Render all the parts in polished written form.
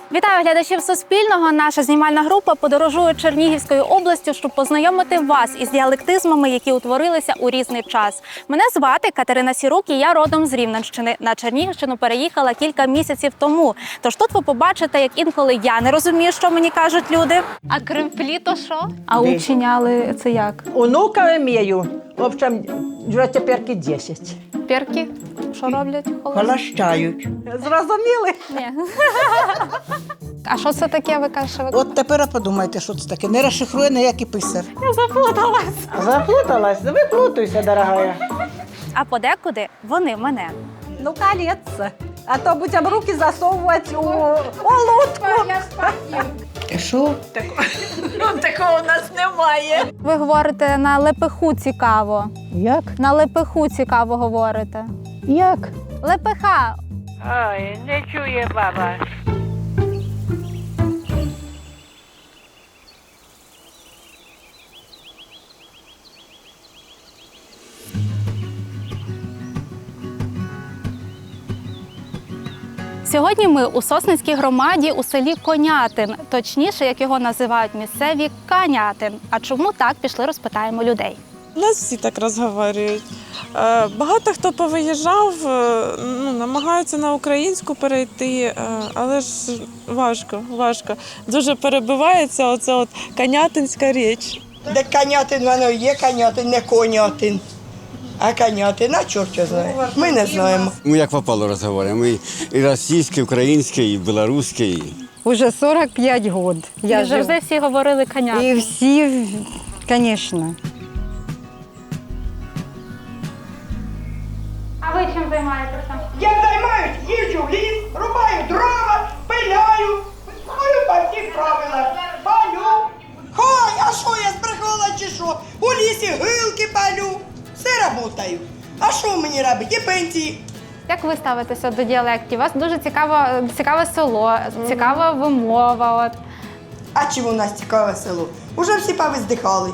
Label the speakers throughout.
Speaker 1: Вітаю глядачів Суспільного. Наша знімальна група подорожує Чернігівською областю, щоб познайомити вас із діалектизмами, які утворилися у різний час. Мене звати Катерина Сірук, і я родом з Рівненщини. На Чернігівщину переїхала кілька місяців тому. Тож тут ви побачите, як інколи я не розумію, що мені кажуть люди. А кремплі то що? А учиняли це як?
Speaker 2: Онука имею. В общем, вже тепер 10.
Speaker 1: Перки? Що роблять?
Speaker 3: Холощають.
Speaker 2: Зрозуміли?
Speaker 1: Ні. А що це таке, ви кажете?
Speaker 3: От тепер подумайте, що це таке. Не розшифрує ніякий писар.
Speaker 1: Я заплуталась.
Speaker 2: Заплуталась? Виплутуйся, дорогая.
Speaker 1: А подекуди вони мене.
Speaker 2: Ну, колеться. А то будемо руки засовувати у лодку.
Speaker 3: Що?
Speaker 2: Такого у нас немає.
Speaker 1: Ви говорите на лепеху цікаво.
Speaker 3: Як?
Speaker 1: На лепеху цікаво говорите.
Speaker 3: Як?
Speaker 1: Лепеха.
Speaker 4: Ой, не чує баба.
Speaker 1: Сьогодні ми у Сосницькій громаді у селі Конятин. Точніше, як його називають місцеві, Канятин. А чому так, пішли розпитаємо людей.
Speaker 5: У нас всі так розговорюють. Багато хто повиїжджав, намагаються на українську перейти, але ж важко. Дуже перебивається оце от канятинська річ.
Speaker 6: Де Канятин, воно є Канятин, не Конятин. А Канятин, а чорт його знає. Ми не знаємо.
Speaker 7: Мы як попало разговариваем. Мы и российский, и украинский, и белорусский.
Speaker 8: Уже 45 років.
Speaker 1: І завжди всі говорили Канятин.
Speaker 8: І всі, звісно.
Speaker 1: А ви чим займаєтеся?
Speaker 6: Я займаюсь, їжджу в ліс, рубаю дрова, пиляю. Знаю по всіх правилах. Палю. Хай, а що я збрехала чи що? У лісі гилки палю. Все работаю. А що мені робити? І пенсії.
Speaker 1: Як ви ставитеся до діалектів? У вас дуже цікаве село, цікава вимова. От.
Speaker 6: А чим у нас цікаве село? Уже всі повиздихали.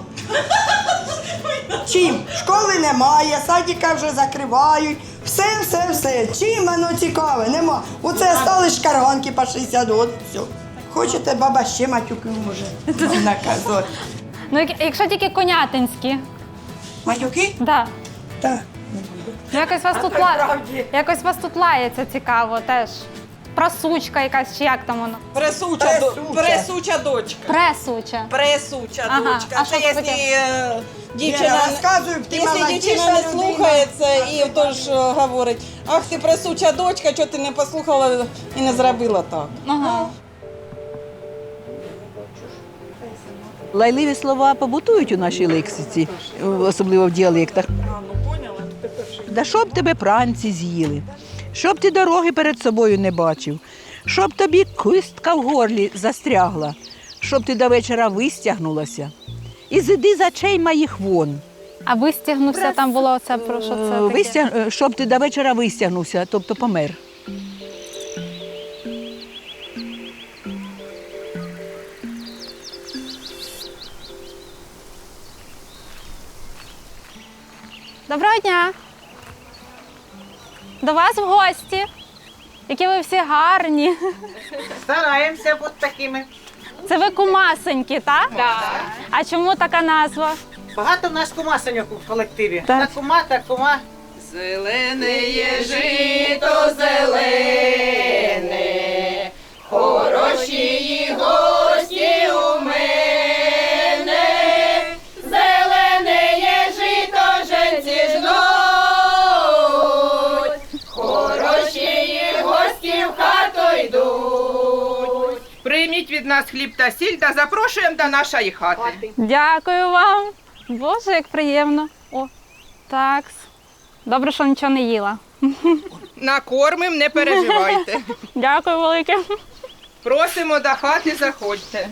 Speaker 6: Чим? Школи немає, садика вже закривають. Все. Чим воно цікаве? Нема. Оце стали шкарганки по 60 років. Все. Хочете, баба ще матюки може наказати.
Speaker 1: Ну, якщо тільки конятинські.
Speaker 6: Матюки?
Speaker 1: Да.
Speaker 6: Так.
Speaker 1: Ну, якось вас тут лається цікаво теж. Просучка якась, чи як там воно?
Speaker 2: Пресуча дочка.
Speaker 1: Пресуча.
Speaker 2: Пресуча
Speaker 1: Ага.
Speaker 2: дочка.
Speaker 1: А
Speaker 2: Це
Speaker 1: що це
Speaker 2: якщо дівчина,
Speaker 6: Я розказую, ти
Speaker 2: якщо
Speaker 6: молодіша
Speaker 2: дівчина не
Speaker 6: людина.
Speaker 2: слухається і тож говорить, ах ти пресуча дочка, чого ти не послухала і не зробила так.
Speaker 1: Ага.
Speaker 9: Лайливі слова побутують у нашій лексиці, особливо в діалектах. Да щоб тебе пранці з'їли, щоб ти дороги перед собою не бачив, щоб тобі кистка в горлі застрягла, щоб ти до вечора вистягнулася. І зиди з очей моїх вон.
Speaker 1: А вистягнувся, там було це, про що це таке?
Speaker 9: Щоб ти до вечора вистягнувся, тобто помер.
Speaker 1: Доброго дня! До вас в гості. Які ви всі гарні.
Speaker 4: Стараємося бути такими.
Speaker 1: Це ви кумасенькі, так? Так. А чому така назва?
Speaker 4: Багато в нас кумасеньок у колективі. Так. Та кума.
Speaker 2: Зелене є жито, зелене, хороші гості у мене, зелене є жито, женці жнуть, хороші гості в хату йдуть.
Speaker 10: Прийміть від нас хліб та сіль та запрошуємо до нашої хати.
Speaker 1: Дякую вам. Боже, як приємно. О, так. Добре, що нічого не їла.
Speaker 10: Накормим, не переживайте.
Speaker 1: Дякую велике.
Speaker 10: Просимо до хати, заходьте.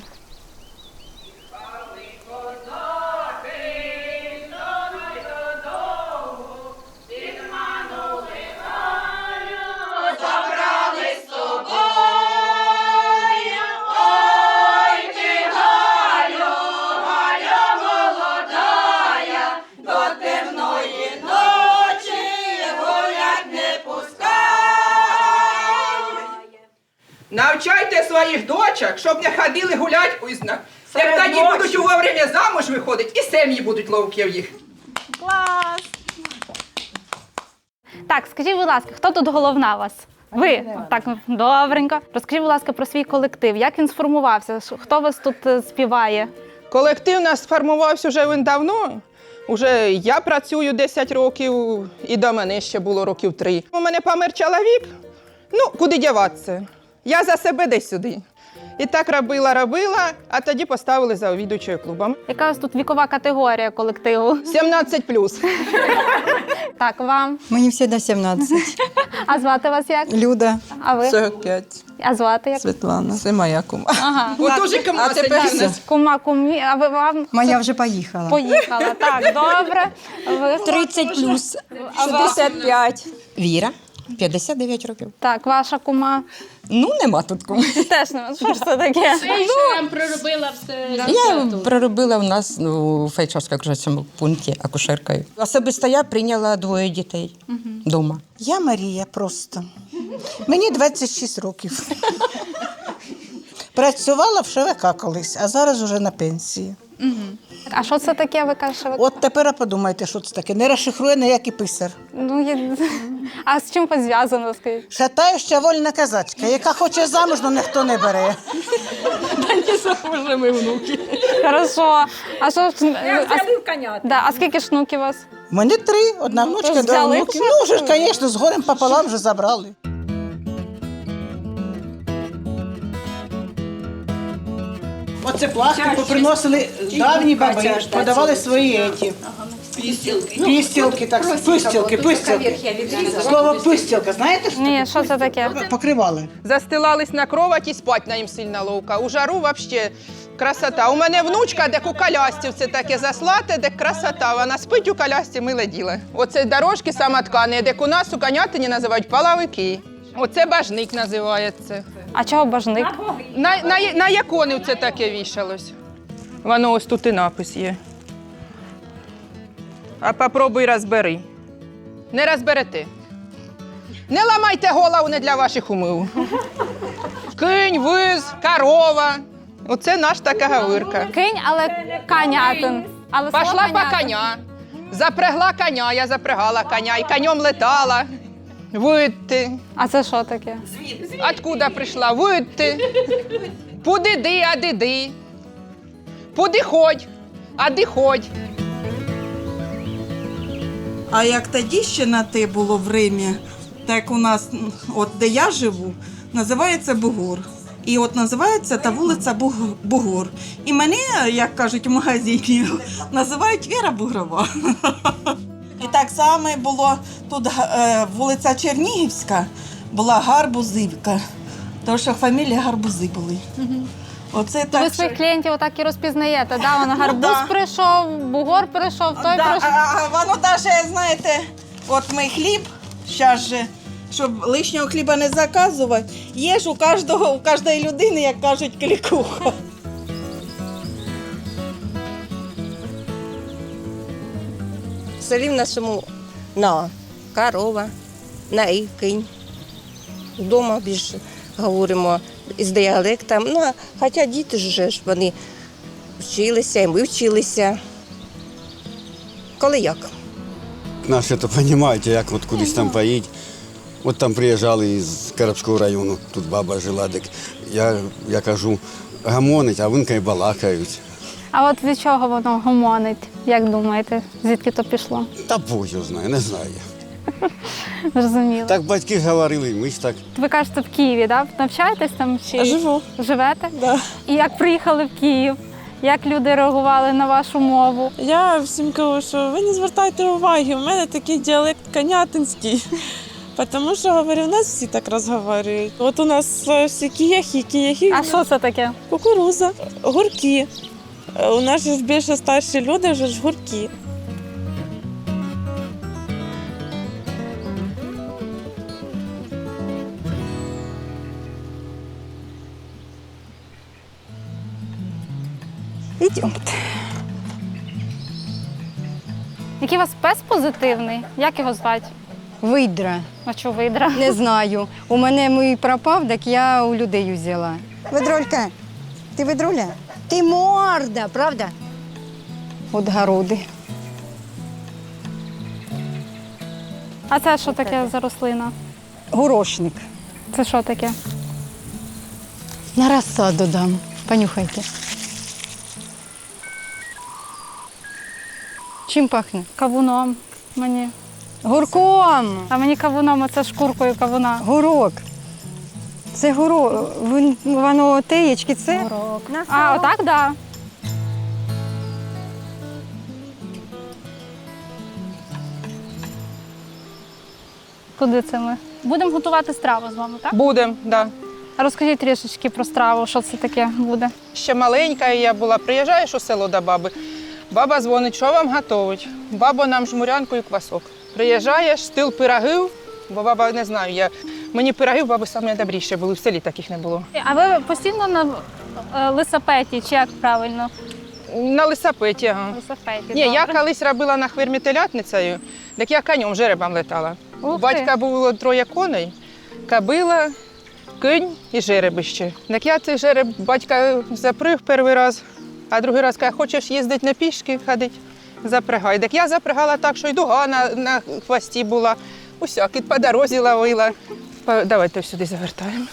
Speaker 10: Навчайте своїх дочок, щоб не ходили гулять узнак. Як тоді будуть вовремя замуж виходити, і сім'ї будуть ловкі в їх.
Speaker 1: Клас! Так, скажіть, будь ласка, хто тут головна у вас? Ви? Так, добренько. Розкажіть, будь ласка, про свій колектив. Як він сформувався? Хто вас тут співає?
Speaker 10: Колектив у нас сформувався вже він давно. Уже я працюю 10 років, і до мене ще було років 3. У мене помер чоловік, ну, куди діватися? Я за себе десь сюди. І так робила, а тоді поставили завідувачою клубом.
Speaker 1: Яка у вас тут вікова категорія колективу?
Speaker 10: 17+.
Speaker 1: Так, вам.
Speaker 8: Мені всегда 17.
Speaker 1: А звати вас як?
Speaker 8: Люда.
Speaker 1: А ви?
Speaker 9: 45.
Speaker 1: А звати як?
Speaker 9: Світлана. Це моя кума.
Speaker 1: Ага.
Speaker 10: От уже кому це
Speaker 1: Кума, кумі, а ви вам
Speaker 8: Моя вже поїхала.
Speaker 1: поїхала. Так, добре. Ви?
Speaker 8: 30 плюс. 65. Віра. 59 років.
Speaker 1: Так, ваша кума.
Speaker 8: Ну, нема тут кому.
Speaker 1: Теж не що ж це таке?
Speaker 11: Я проробила у нас у Фельдшерсько-акушерському пункті акушеркою. Особисто я прийняла 2 дітей вдома.
Speaker 3: Я Марія просто. Мені 26 років. Працювала в ШВК колись, а зараз уже на пенсії.
Speaker 1: А що це таке, ви кажете?
Speaker 3: От тепер подумайте, що це таке. Не розшифрує ніякий писар.
Speaker 1: Ну, а з чим пов'язано, скажіть?
Speaker 3: Шатающа вольна казачка, яка хоче замуж, але ніхто не бере.
Speaker 1: Хорошо. А що ж... А скільки ж внуків у вас?
Speaker 3: У мене 3, одна внучка,
Speaker 1: Тож
Speaker 3: 2
Speaker 1: взяли
Speaker 3: внуки.
Speaker 1: вже?
Speaker 3: Ну, вже ж, звісно, з горем пополам вже забрали. Оце пластику приносили давні баби, подавали свої еті. Пістілки, так, пистілки. Слово пистілка, знаєте, що
Speaker 1: Ні, що це таке?
Speaker 3: покривали?
Speaker 10: Застилались на кровать і спать на їм сильно ловка. У жару взагалі красота. У мене внучка, де у колясці це таке заслате, де красота. Вона спить у колясці, миле діло. Оце дорожки самоткані, де у нас у конятині називають половики. Оце бажник називається.
Speaker 1: А чого бажник?
Speaker 10: На якони це таке вішалось. Воно ось тут і напис є. А попробуй розбери. Не розберете. Не ламайте голову, не для ваших умів. Кинь, виз, корова. Оце наш така говірка.
Speaker 1: Кинь, але канятин. Але слово
Speaker 10: Пошла по
Speaker 1: канятин.
Speaker 10: коня. Запрягла коня, я запрягала коня. І конем летала. Видти.
Speaker 1: А це що таке?
Speaker 10: Откуда прийшла? Видти. Подиди, а диди. Подиходь, а диходь.
Speaker 2: А як тоді ще на те було в Римі, так у нас, от де я живу, називається Бугор. І от називається та вулиця Бугор. І мене, як кажуть в магазині, називають Віра Бугрова. І так само було тут вулиця Чернігівська, була Гарбузивка, тому що фамілія Гарбузи були. Оце
Speaker 1: Ви
Speaker 2: так.
Speaker 1: своїх клієнтів отак і розпізнаєте, да? Вона гарбуз
Speaker 2: да.
Speaker 1: прийшов, бугор прийшов, той
Speaker 2: Да,
Speaker 1: прийшов.
Speaker 2: а воно навіть, знаєте, от ми хліб, зараз же, щоб лишнього хліба не заказувати, є ж у кожної людини, як кажуть, клікуха.
Speaker 12: В селі в нашому на корова, на і кінь. Вдома більше говоримо з діалектом. Ну, хоча діти ж вони вчилися, і ми вчилися. Коли як?
Speaker 7: Наші то розумієте, як от кудись там поїдь. От там приїжджали із Карабського району, тут баба жила, так я кажу, гамонить, а вони балакають.
Speaker 1: А от від чого воно гомонить? Як думаєте, звідки то пішло?
Speaker 7: Та Бог його знає, не знаю.
Speaker 1: Зрозуміло.
Speaker 7: Так батьки говорили, ми ж так.
Speaker 1: Ви кажете, в Києві, да? Навчаєтесь там чи
Speaker 5: Живу.
Speaker 1: живете?
Speaker 5: Да.
Speaker 1: І як приїхали в Київ? Як люди реагували на вашу мову?
Speaker 5: Я всім кажу, що ви не звертайте уваги, у мене такий діалект конятинський. Тому що, говорю, у нас всі так розговорюють. От у нас всі кияхи.
Speaker 1: А що це таке?
Speaker 5: Кукуруза, гурки. У нас ж більше старші люди, вже ж гурки.
Speaker 8: Ідемте.
Speaker 1: Який у вас пес позитивний? Як його звати?
Speaker 8: Видра.
Speaker 1: А чого видра?
Speaker 8: Не знаю. У мене мій пропав, так я у людей взяла. Ведролька, ти ведруля? Ти морда, правда? От городи.
Speaker 1: А це що таке за рослина?
Speaker 8: Горошник.
Speaker 1: Це що таке?
Speaker 8: На розсаду дам. Понюхайте. Чим пахне?
Speaker 1: Кавуном мені.
Speaker 8: Гурком.
Speaker 1: А мені кавуном, оце шкуркою кавуна.
Speaker 8: Гурок. Це гурок. Воно теєчки, це?
Speaker 1: Гурок. А, отак, так. Да. Куди це ми? Будемо готувати страву з вами, так?
Speaker 10: Будем, да.
Speaker 1: А розкажіть трішечки про страву, що це таке буде.
Speaker 10: Ще маленька я була, приїжджаєш у село до баби. Баба дзвонить, що вам готовить? Баба нам жмурянку і квасок. Приїжджаєш, стил пирогів, бо баба, не знаю, мені пирогів баби найдобріші були, в селі таких не було.
Speaker 1: А ви постійно на лисапеті, чи як правильно?
Speaker 10: На лисапеті, ага.
Speaker 1: Лисапеті,
Speaker 10: Ні, я
Speaker 1: добре.
Speaker 10: колись робила на хвирмі телятницею, так я конем, жеребом летала.
Speaker 1: Ух
Speaker 10: У батька було 3 коней, кобила, кінь і жеребище. Так я цей жереб батька заприг перший раз, а другий раз каже, хочеш їздити на пішки, ходити, запрягай. Так я запрягала так, що й дуга на хвості була, усякі по дорозі ловила. Давайте сюди завертаємо.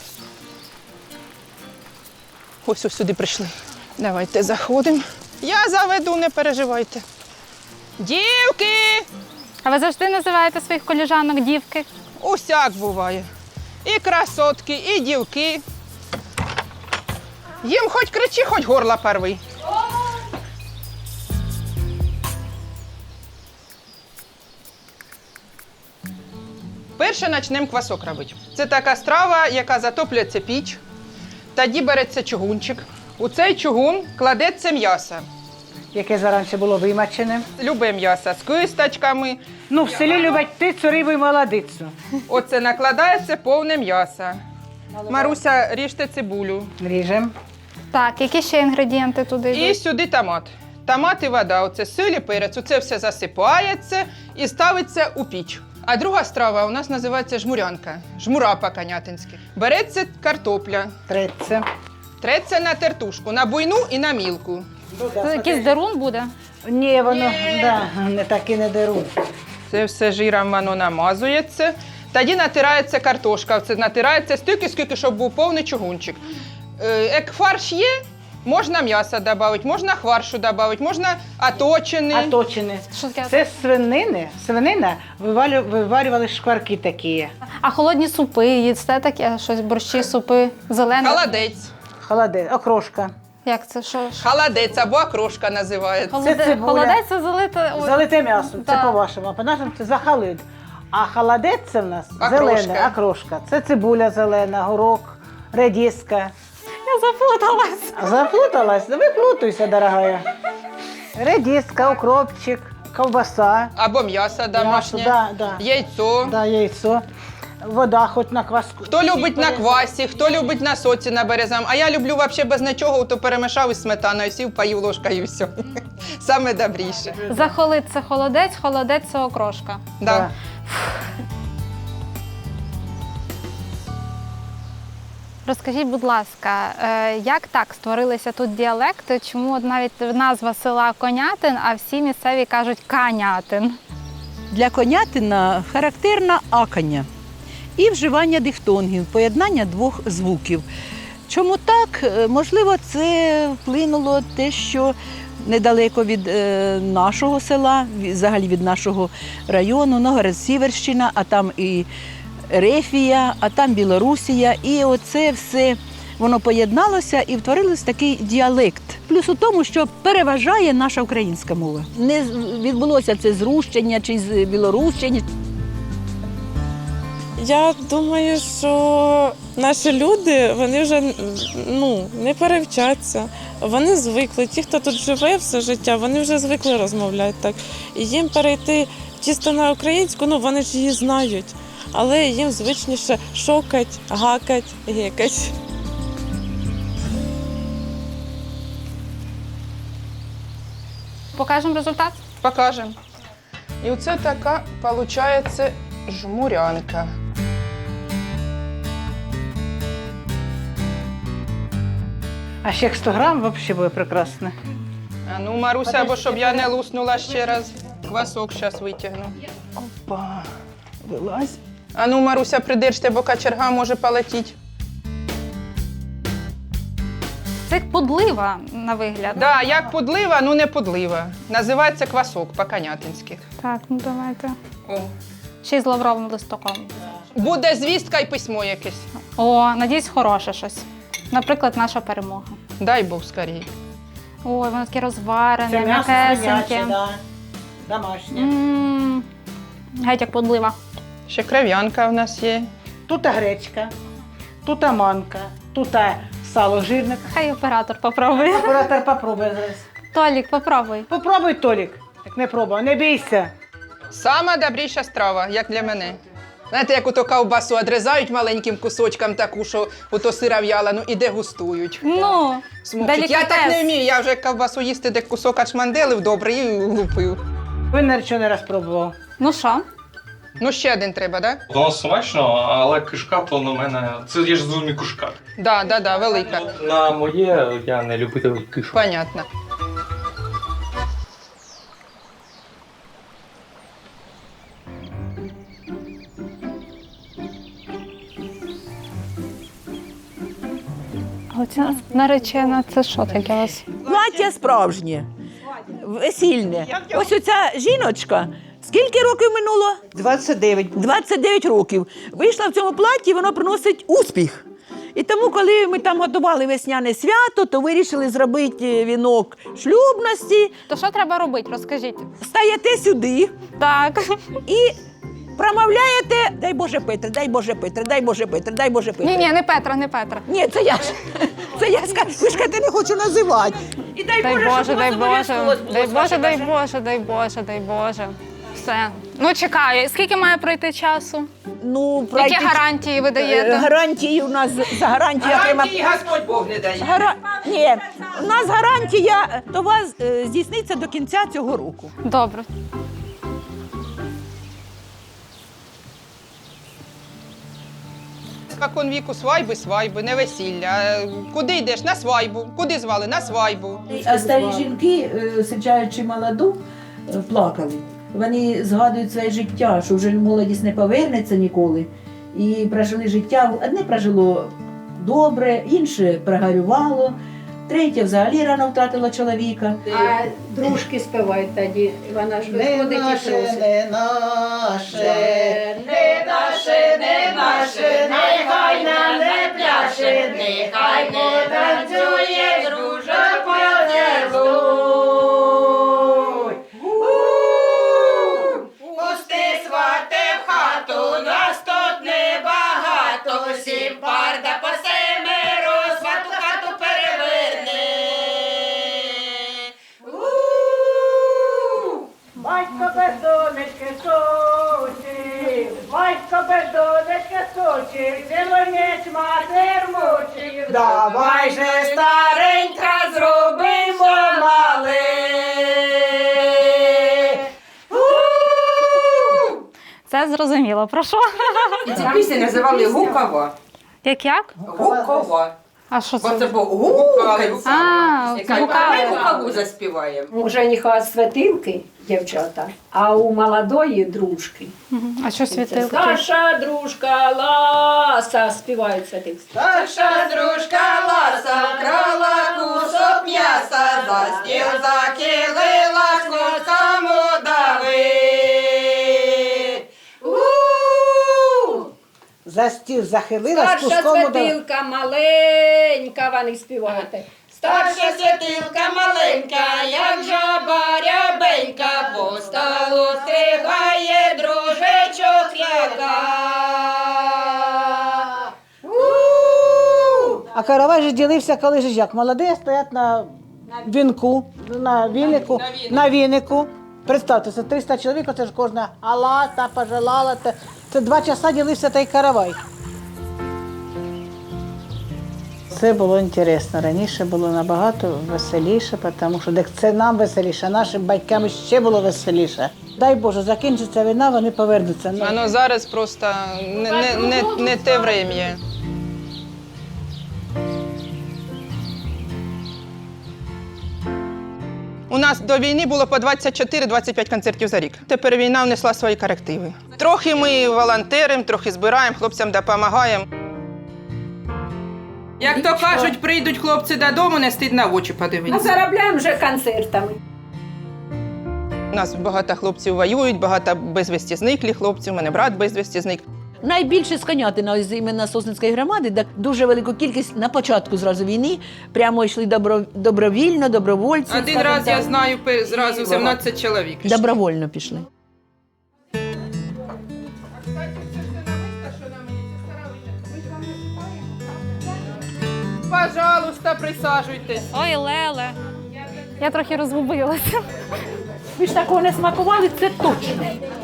Speaker 10: Ось сюди прийшли. Давайте заходимо. Я заведу, не переживайте. Дівки!
Speaker 1: А ви завжди називаєте своїх коліжанок дівки?
Speaker 10: Усяк буває. І красотки, і дівки. Їм хоч кричи, хоч горла порви. Перше почнемо квасок робити. Це така страва, яка затоплюється піч. Тоді береться чугунчик. У цей чугун кладеться м'ясо.
Speaker 4: Яке зараніше було вимачене.
Speaker 10: Любе м'ясо з кисточками.
Speaker 4: Ну, в селі люблять птицю, рибу і молодицю.
Speaker 10: Оце накладається повне м'ясо. Маруся, ріжте цибулю.
Speaker 4: Ріжем.
Speaker 1: Так, які ще інгредієнти туди
Speaker 10: І
Speaker 1: йдуть?
Speaker 10: сюди томат. Томат і вода, оце сіль і перець. Оце все засипається і ставиться у піч. А друга страва у нас називається жмурянка. Жмура по-конятинськи. Береться картопля.
Speaker 4: Треться.
Speaker 10: Треться на тертушку, на буйну і на мілку.
Speaker 1: Це якийсь дарун буде?
Speaker 4: Ні, воно не так і не деруть.
Speaker 10: Це все жиром воно намазується. Тоді натирається картошка. Це натирається стільки, скільки, щоб був повний чугунчик. Як фарш є, можна м'ясо додати, можна фаршу додати, можна оточений.
Speaker 4: Оточене.
Speaker 1: Що таке?
Speaker 4: Це свинина виварювали шкварки такі.
Speaker 1: А холодні супи, їсте таке? Щось, борщі, супи, зелене?
Speaker 10: Холодець.
Speaker 4: Холодець, окрошка.
Speaker 1: Як це? Що?
Speaker 10: Холодець або окрошка називається.
Speaker 4: Це цибуля.
Speaker 1: Холодець це залите... Ой.
Speaker 4: Залите м'ясо, це
Speaker 1: Да.
Speaker 4: по-вашому, а по-нашому це захалит. А холодець це в нас
Speaker 10: Окрошка.
Speaker 4: зелене, окрошка. Це цибуля зелена, горох, редиска.
Speaker 1: Я заплуталась.
Speaker 4: Запуталась? Да ви плутайся, дорогая. Редиска, укропчик, ковбаса.
Speaker 10: Або м'ясо домашнє,
Speaker 4: Да.
Speaker 10: яйцо.
Speaker 4: Да, яйцо. Вода хоч на кваску.
Speaker 10: Хто любить на квасі, хто любить на соці на березам. А я люблю взагалі без нічого, то перемішав із сметаною, сів, поїв ложкою і все. Саме добріше.
Speaker 1: Захолит це холодець, холодець це окрошка.
Speaker 10: Да.
Speaker 1: Розкажіть, будь ласка, як так створилися тут діалекти? Чому от навіть назва села Конятин, а всі місцеві кажуть Канятин?
Speaker 9: Для конятина характерна акання і вживання дифтонгів, поєднання двох звуків. Чому так? Можливо, це вплинуло те, що недалеко від нашого села, взагалі від нашого району, Новгород-Сіверщина, а там і Рефія, а там Білорусія. І оце все воно поєдналося і втворилось такий діалект. Плюс у тому, що переважає наша українська мова. Не відбулося це з Рущення чи з Білорущення.
Speaker 5: Я думаю, що наші люди, вони вже не перевчаться. Вони звикли. Ті, хто тут живе все життя, вони вже звикли розмовляти так. І їм перейти чисто на українську, вони ж її знають. Але їм звичніше шокать, гакать, гекать.
Speaker 1: Покажемо результат?
Speaker 10: Покажемо. І оце така, виходить, жмурянка.
Speaker 4: А ще 100 грам взагалі буде прекрасно.
Speaker 10: А ну, Маруся, або щоб я не луснула ще раз. Квасок зараз витягну. Опа, вилазь. А ну, Маруся, придержте, бо качерга може полетіти.
Speaker 1: Це як подлива на вигляд.
Speaker 10: Да, як подлива, ну не подлива. Називається квасок по-канятинськи.
Speaker 1: Так, ну давайте.
Speaker 10: О.
Speaker 1: Ще й з лавровим листоком.
Speaker 10: Буде звістка і письмо якесь.
Speaker 1: О, надіюсь, хороше щось. Наприклад, наша перемога.
Speaker 10: Дай Бог скорій.
Speaker 1: Ой, воно таке розварене,
Speaker 4: Це м'ясо
Speaker 1: м'якесеньке.
Speaker 4: свиняче, да. Домашнє.
Speaker 1: М, Геть як подлива.
Speaker 10: Ще кров'янка в нас є.
Speaker 4: Тут гречка, тут манка, тут сало жирне.
Speaker 1: Хай оператор попробує.
Speaker 4: Оператор попробує зараз.
Speaker 1: Толік, попробуй.
Speaker 4: Попробуй, Толік. Як не пробував, не бійся.
Speaker 10: Сама добріша страва, як для мене. Знаєте, як ото ковбасу одрізають маленьким кусочком таку, що ото сира в'ялену і дегустують.
Speaker 1: Ну,
Speaker 10: Смокчик. Я так не вмію, я вже ковбасу їсти, де кусок ачманделив добре і лупив.
Speaker 4: Він нічого не раз пробував.
Speaker 1: Ну що?
Speaker 10: Ну ще один треба, так? Да?
Speaker 13: Воно смачно, але кишка то на мене. Це я ж зрозумів кишка.
Speaker 10: Да, велика.
Speaker 13: На моє я не любитель кишок.
Speaker 10: Понятно.
Speaker 1: Оця наречена, це що таке у вас?
Speaker 9: Плаття справжнє, весільне. Ось оця жіночка. Скільки років минуло?
Speaker 4: 29.
Speaker 9: 29 років. Вийшла в цьому платі, воно приносить успіх. І тому, коли ми там готували весняне свято, то вирішили зробити вінок шлюбності.
Speaker 1: То що треба робити? Розкажіть.
Speaker 9: Стаєте сюди
Speaker 1: Так.
Speaker 9: і промовляєте «Дай Боже Петре, дай Боже Петре, дай Боже Петре, дай Боже Петре».
Speaker 1: Ні, не Петра, не Петра.
Speaker 9: Ні, це я ж. Це я скажу, ви ж кажете, не хочу називати. І
Speaker 1: Дай Боже, дай Боже, дай Боже, дай Боже, дай Боже, дай Боже. Все. Ну, чекаю. Скільки має пройти часу?
Speaker 9: Ну,
Speaker 1: Які гарантії ви даєте?
Speaker 9: Гарантії у нас, за гарантію
Speaker 10: Гарантії Господь Бог не дає.
Speaker 9: Ні, у нас гарантія, то вас здійсниться до кінця цього року.
Speaker 1: Добре.
Speaker 10: Спокон віку свайби, не весілля. Куди йдеш? На свайбу. Куди звали? На свайбу.
Speaker 14: А старі жінки, саджаючи молоду, плакали. Вони згадують своє життя, що вже молодість не повернеться ніколи. І прожили життя. Одне прожило добре, інше прогорювало, третє взагалі рано втратила чоловіка.
Speaker 12: А дружки співають тоді. Вона ж виходить і просить.
Speaker 4: Не наше,
Speaker 12: Не наше, не наше, нехай нам не пляше, нехай потанцює, друже, поцілуй. Пусти свате в хату, нас тут небагато, сім пар да по семеро, свату хату переверне.
Speaker 6: Батько без донечки сочив, батько без донечки сочив, цілонець матер мучив.
Speaker 12: Давай же, старенька, зробимо мале.
Speaker 1: Це зрозуміло. Про що?
Speaker 11: І ці пісні називали «Гукова».
Speaker 1: Як?
Speaker 11: Гукова.
Speaker 1: А що
Speaker 11: Бо
Speaker 1: це?
Speaker 11: це був гукали.
Speaker 1: А,
Speaker 11: Давай гукову заспіваємо.
Speaker 12: У жениха святилки, дівчата, а у молодої дружки.
Speaker 1: А що світилки?
Speaker 12: Старша дружка Ласа, співають святилки. Старша дружка Ласа вкрала кусок м'яса, за стіл закилила, кому давить.
Speaker 4: За стіл захилила, з
Speaker 12: Старша
Speaker 4: куском удала.
Speaker 12: святилка маленька, вони співають. Старша святилка маленька, як жаба рябенька, по столу стригає дружечок яка.
Speaker 4: А каравай же ділився, коли ж як? Молоді стоять на вінку, на вінику. Представте, це 300 чоловік, це ж кожна ала, та пожелала. Це 2 часа ділився той каравай. Це було інтересно. Раніше було набагато веселіше, тому що це нам веселіше, а нашим батькам ще було веселіше. Дай Боже, закінчиться війна, вони повернуться.
Speaker 10: Воно зараз просто не те врем'я. нас до війни було по 24-25 концертів за рік. Тепер війна внесла свої корективи. Трохи ми волонтеримо, трохи збираємо, хлопцям допомагаємо. Як то кажуть, прийдуть хлопці додому, не стидно в очі подивитися.
Speaker 14: Заробляємо вже концертами.
Speaker 10: У нас багато хлопців воюють, багато безвісті зниклих хлопців, у мене брат безвісті зник.
Speaker 14: Найбільше з Конятина, з іменно Сосницької громади, де дуже велику кількість на початку зразу війни прямо йшли добровільно, добровольці.
Speaker 10: Один раз, я знаю, зразу 17 чоловік.
Speaker 14: Добровольно пішли.
Speaker 10: Пожалуйста, присаджуйтесь.
Speaker 1: Ой, Леле. Я трохи розгубилася.
Speaker 14: Ви ж такого не смакували, це точно.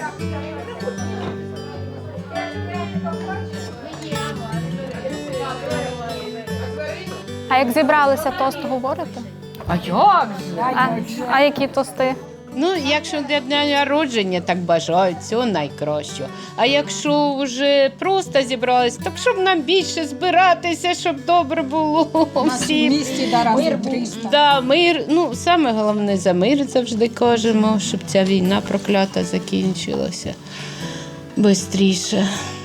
Speaker 1: А як зібралися, тост говорите?
Speaker 15: А як же?
Speaker 1: А які тости?
Speaker 15: Ну, якщо для дня народження так бажають, цього найкраще. А якщо вже просто зібрались, так щоб нам більше збиратися, щоб добре було всім.
Speaker 8: Мир був.
Speaker 15: Да, мир. Ну, саме головне за мир завжди кажемо, щоб ця війна проклята закінчилася бистріше.